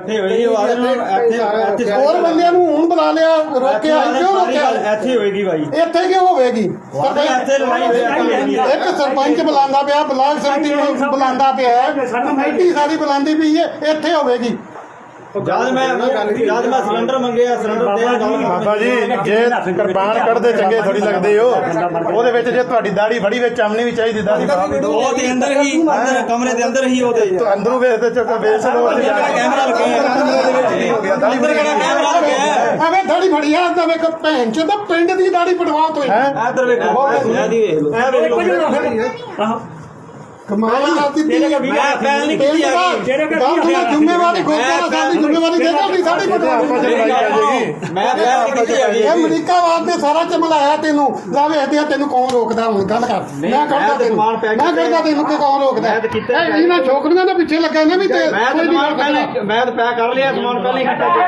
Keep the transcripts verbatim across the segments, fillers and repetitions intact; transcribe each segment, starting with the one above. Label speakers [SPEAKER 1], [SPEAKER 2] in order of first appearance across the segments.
[SPEAKER 1] ਇੱਥੇ ਹੋਏਗੀ ਉਹ ਆਦੇ ਨੂੰ ਇੱਥੇ
[SPEAKER 2] ਹੋਰ ਬੰਦਿਆਂ ਨੂੰ ਹੁਣ ਬੁਲਾ ਲਿਆ ਰੋਕਿਆ ਕਿਉਂ ਰੋਕਿਆ
[SPEAKER 1] ਇੱਥੇ ਹੋਏਗੀ ਭਾਈ
[SPEAKER 2] ਇੱਥੇ ਕਿਉਂ ਹੋਵੇਗੀ
[SPEAKER 1] ਇੱਥੇ ਲੜਾਈ ਹੋਏਗੀ
[SPEAKER 2] ਇੱਕ ਸਰਪੰਚ ਬੁਲਾਉਂਦਾ ਪਿਆ ਬਲਾਕ ਸੰਮਤੀ ਨੂੰ ਬੁਲਾਉਂਦਾ ਪਿਆ ਕਮੇਟੀ ਸਾਰੀ ਬੁਲਾਉਂਦੀ ਪਈ ਹੈ ਇੱਥੇ ਹੋਵੇਗੀ
[SPEAKER 1] ਜਦ ਮੈਂ ਜਦ ਮੈਂ ਸਿਲੰਡਰ ਮੰਗਿਆ ਸਿਲੰਡਰ ਦੇ
[SPEAKER 3] ਬਾਬਾ ਜੀ ਜੇ ਕਿਰਪਾਨ ਕੱਢਦੇ ਚੰਗੇ ਥੋੜੀ ਲੱਗਦੇ ਹੋ ਉਹਦੇ ਵਿੱਚ ਜੇ ਤੁਹਾਡੀ ਦਾੜੀ ਫੜੀ ਵਿੱਚ ਆਮਣੀ ਵੀ ਚਾਹੀਦੀ ਦਾੜੀ
[SPEAKER 1] ਉਹ ਦੇ ਅੰਦਰ ਹੀ ਅੰਦਰ ਕਮਰੇ ਦੇ ਅੰਦਰ ਹੀ ਉਹਦੇ
[SPEAKER 3] ਅੰਦਰੋਂ ਵੇਖਦੇ ਚੱਕ ਵੇਚ ਲੋ
[SPEAKER 1] ਕੈਮਰਾ ਲੱਗਿਆ ਦਾੜੀ ਬੜੀ ਕੈਮਰਾ ਲੱਗਿਆ
[SPEAKER 2] ਐਵੇਂ ਦਾੜੀ ਫੜੀ ਆ ਤਾਂ ਵੇਖ ਭੈਣ ਚ ਤਾਂ ਪਿੰਡ ਦੀ ਦਾੜੀ ਪਟਵਾਓ ਤੁਸੀਂ
[SPEAKER 1] ਇੱਧਰ ਵੇਖੋ ਇਹ ਵੇਖ ਲਓ
[SPEAKER 2] ਕਮਾਲ ਕਰਦੀ
[SPEAKER 1] ਮੈਂ ਪਹਿਲ ਨਹੀਂ ਕੀਤੀ ਹੈਗੀ
[SPEAKER 2] ਜ਼ਿੰਮੇਵਾਰੀ ਗੁਰਦੁਆਰਾ ਸਾਹਿਬ ਦੀ ਜ਼ਿੰਮੇਵਾਰੀ ਦੇ ਦੋ ਸਾਡੀ ਪਟਵਾਓ
[SPEAKER 1] ਮੈਂ ਪਹਿਲ ਨਹੀਂ ਕੀਤੀ ਹੈਗੀ
[SPEAKER 2] ਇਹ ਅਮਰੀਕਾਵਾਦ ਨੇ ਸਾਰਾ ਚਮਲਾਇਆ ਤੈਨੂੰ ਜਾ ਵੇਖਦੇ ਆ ਤੈਨੂੰ ਕੌਣ ਰੋਕਦਾ ਹੁਣ ਗੱਲ ਕਰ ਮੈਂ ਕਰਦਾ ਤੈਨੂੰ ਮੈਂ ਕਰਦਾ ਤੈਨੂੰ ਕਿ ਕੌਣ ਰੋਕਦਾ ਇਹਨਾਂ ਛੋਕਰੀਆਂ ਦੇ ਪਿੱਛੇ ਲੱਗਾ ਨੇ ਵੀ ਤੇ
[SPEAKER 1] ਮੈਂ ਤਾਂ ਸਮਾਨ ਪਹਿਲੇ ਮੈਂ ਤਾਂ ਪੈਕ ਕਰ ਲਿਆ ਸਮਾਨ ਪਹਿਲੇ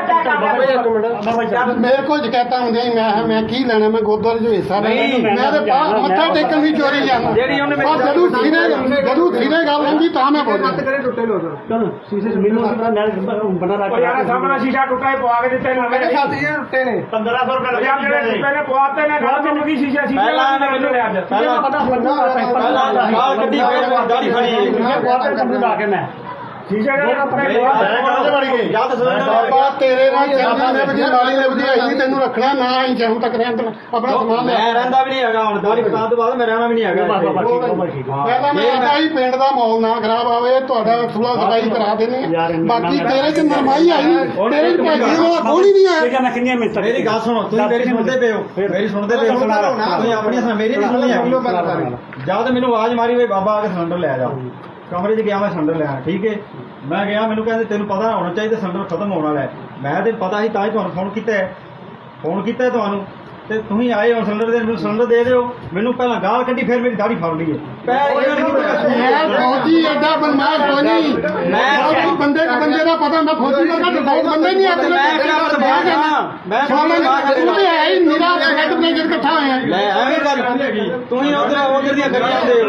[SPEAKER 1] ਹੀ
[SPEAKER 2] ਮੇਰੇ ਕੋਲ ਸ਼ਿਕਾਇਤਾਂ ਹੁੰਦੀਆਂ ਸੀ ਮੈਂ ਮੈਂ ਕੀ ਲੈਣਾ ਮੈਂ ਗੁਰਦੁਆਰੇ ਚ ਹਿੱਸਾ ਲੈਣਾ ਮੈਂ ਤੇ ਮੱਥਾ ਟੇਕਣ ਵੀ ਚੋਰੀ ਜਾਂਦਾ
[SPEAKER 1] ਜਿਹੜੀ ਉਹਨੇ
[SPEAKER 2] ਜਦੋਂ ਸੀਨੇ ਜਦੋਂ ਸੀਨੇ ਗੱਲ ਹੁੰਦੀ ਤਾਂ ਮੈਂ ਬੋਲਦਾ
[SPEAKER 4] ਟੁੱਟੇ ਲੋ ਸਰ ਸ਼ੀਸ਼ੇ ਮੈਨੂੰ ਬਣਾ ਰੱਖ ਯਾਰ ਸਾਹਮਣਾ ਸ਼ੀਸ਼ਾ ਟੁੱਟਾ ਹੀ ਪਵਾ ਕੇ ਦਿੱਤੇ ਨੇ ਮੇਰੇ ਸਾਥੀ ਟੁੱਟੇ ਨੇ ਪੰਦਰਾਂ ਸੌ ਰੁਪਏ ਯਾਰ ਜਿਹੜੇ ਟੁੱਟੇ ਨੇ ਪਵਾਤੇ ਨੇ ਗੱਲ ਚੱਲ ਗਈ ਸ਼ੀਸ਼ਾ ਸ਼ੀਸ਼ਾ ਮੈਨੂੰ ਲੈ ਅੱਜ ਪਹਿਲਾਂ ਪਤਾ ਲੱਗਾ
[SPEAKER 1] ਗਾਲ ਕੱਢੀ ਫੇਰ ਦਾੜੀ ਫੜੀ
[SPEAKER 4] ਪਵਾਤੇ ਕੰਪਨੀ ਲਾ ਕੇ ਮੈਂ ਸ਼ੀਸ਼ਾ ਜਿਹੜਾ ਆਪਣੇ
[SPEAKER 1] ਜਦ ਸਿਲੰਡਰ
[SPEAKER 2] ਬਾਬਾ ਤੇਰੇ ਨਾਲ ਚੱਲਦੀ ਨੇ ਵਜੀ ਵਾਲੀ ਨੇ ਵਜਾਈ ਨਹੀਂ ਤੈਨੂੰ ਰੱਖਣਾ ਨਾ ਹੀ ਜਦੋਂ ਤੱਕ ਰਹਿਣ ਦੇਣਾ ਆਪਣਾ ਸਮਾਨ ਲੈ
[SPEAKER 1] ਮੈਂ ਰਹਿੰਦਾ ਵੀ ਨਹੀਂ ਹੈਗਾ ਹੁਣ ਦਾੜੀ ਕਟਾਉਣ ਤੋਂ ਬਾਅਦ ਮੈਂ ਰਹਿਣਾ ਵੀ ਨਹੀਂ ਹੈਗਾ
[SPEAKER 2] ਪਹਿਲਾਂ ਮੈਂ ਆਦਾ ਹੀ ਪਿੰਡ ਦਾ ਮਾਹੌਲ ਨਾ ਖਰਾਬ ਆਵੇ ਤੁਹਾਡਾ ਸੁਲਾ ਸਫਾਈ ਕਰਾ ਦੇਣੀ ਬਾਕੀ ਤੇਰੇ ਚ ਨਰਮਾਈ ਆਈ ਤੇਰੇ ਚ ਭਾਜੀ ਦਾ ਕੋਈ ਨਹੀਂ ਆਇਆ
[SPEAKER 4] ਮੈਂ ਕਿੰਨੀਆਂ ਮਿੰਟਾਂ
[SPEAKER 1] ਮੇਰੀ ਗੱਲ ਸੁਣੋ ਤੁਸੀਂ ਮੇਰੀ ਸੁਣਦੇ ਪਏ ਹੋ ਮੇਰੀ ਸੁਣਦੇ ਪਏ ਹੋ ਤੁਸੀਂ ਆਪਣੀ ਸੁਣ ਮੇਰੀ ਨਹੀਂ ਸੁਣਨੀ ਹੈਗੀ ਜਦ ਮੈਨੂੰ ਆਵਾਜ਼ ਮਾਰੀ ਵੇ ਬਾਬਾ ਆ ਕੇ ਸਿਲੰਡਰ ਲੈ ਜਾ ਕਮਰੇ 'ਚ ਗਿਆ ਮੈਂ ਸਿਲੰਡਰ ਲੈਣ ਠੀਕ ਹੈ ਮੈਂ ਗਿਆ ਮੈਨੂੰ ਕਹਿੰਦੇ ਤੈਨੂੰ ਪਤਾ ਹੋਣਾ ਚਾਹੀਦਾ ਸਿਲੰਡਰ ਖਤਮ ਹੋਣ ਵਾਲਾ ਹੈ ਮੈਂ ਤੇ ਪਤਾ ਸੀ ਤਾਂ ਹੀ ਤੁਹਾਨੂੰ ਫੋਨ ਕੀਤਾ ਹੈ ਫੋਨ ਕੀਤਾ ਤੁਹਾਨੂੰ ਤੇ ਤੁਸੀਂ ਆਏ ਹੋ ਸਿਲੰਡਰ ਦੇ ਮੈਨੂੰ ਸਿਲੰਡਰ ਦੇ ਦਿਓ ਮੈਨੂੰ ਪਹਿਲਾਂ ਗਾਲ ਕੱਢੀ ਫਿਰ ਮੇਰੀ ਦਾੜੀ ਫੜ ਲਈ
[SPEAKER 2] ਮੈਂ ਫੌਜੀ ਐਡਾ ਬਦਮਾਸ਼ ਕੋਈ ਨਹੀਂ ਮੈਂ ਬੰਦੇ ਕੋ ਬੰਦੇ ਦਾ ਪਤਾ ਹੁੰਦਾ ਫੌਜੀ ਦਾ ਘੱਟ ਬਹੁਤ ਬੰਦੇ ਨਹੀਂ ਆਤੇ
[SPEAKER 1] ਮੈਂ
[SPEAKER 2] ਤੂੰ ਤੇ ਹੈ ਹੀ ਨਿਰਾ ਹੈਡ ਮੈਨੇਜਰ ਇਕੱਠਾ ਹੋਇਆ
[SPEAKER 1] ਲੈ ਐਵੇਂ ਗੱਲ ਹੁੰਦੀ ਤੁਸੀਂ ਉਧਰ ਉਧਰ ਦੀਆਂ ਕਰੀ ਜਾਂਦੇ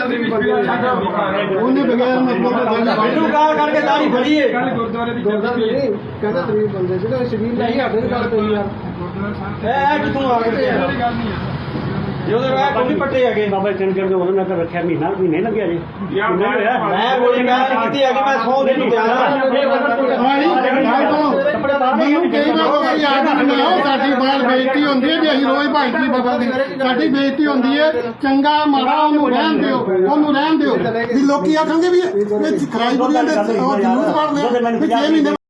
[SPEAKER 2] ਉਹਨੇ ਬਗੈਰ ਮਤਲਬ
[SPEAKER 1] ਮੈਨੂੰ ਗਾਲ ਕਰਕੇ ਦਾੜੀ ਫੜੀ ਏ
[SPEAKER 4] ਗੁਰਦੁਆਰੇ ਦੀ ਕਹਿੰਦਾ ਤਰੀਕ ਬੰਦੇ ਜਿਹੜੇ ਸ਼ਬੀਲ ਨਹੀਂ ਸਾਡੇ ਦੀ ਗੱਲ ਕੋਈ ਯਾਰ
[SPEAKER 1] ਇਹ ਕਿਥੋਂ ਆ ਗਏ ਜਦੋਂ ਰਾਹ ਕੋਈ ਪੱਟੇ ਹੈਗੇ
[SPEAKER 4] ਬਾਬਾ ਚੰਦਰ ਦੇ ਉਹਨਾਂ ਨੇ ਤਾਂ ਰੱਖਿਆ ਮਹੀਨਾ ਵੀ ਨਹੀਂ ਲੱਗਿਆ ਜੀ
[SPEAKER 1] ਮੈਂ ਕੋਈ ਗੱਲ ਕੀਤੀ ਹੈਗੀ ਮੈਂ ਸੌ ਦਿਨ ਨੂੰ ਗਿਆ
[SPEAKER 2] ਮੈਨੂੰ ਕਈ ਵਾਰ ਕੋਈ ਯਾਦ ਨਹੀਂ ਆਉਂਦਾ ਸਾਡੀ ਬਾਲ ਬੇਇੱਜ਼ਤੀ ਹੁੰਦੀ ਹੈ ਜੇ ਅਸੀਂ ਰੋਜ਼ ਭਾਈਜੀ ਬਾਬਾ ਦੀ ਸਾਡੀ ਬੇਇੱਜ਼ਤੀ ਹੁੰਦੀ ਹੈ ਚੰਗਾ ਮਾੜਾ ਉਹਨੂੰ ਰਹਿਣ ਦਿਓ ਉਹਨੂੰ ਰਹਿਣ ਦਿਓ ਵੀ ਲੋਕੀ ਆਖਣਗੇ ਵੀ ਇਹ ਖਰਾਈ ਬੁਰੀਆਂ ਦੇ ਉਹ ਜਲੂਸ ਕੱਢਦੇ ਆ ਜੇ ਮਹੀਨੇ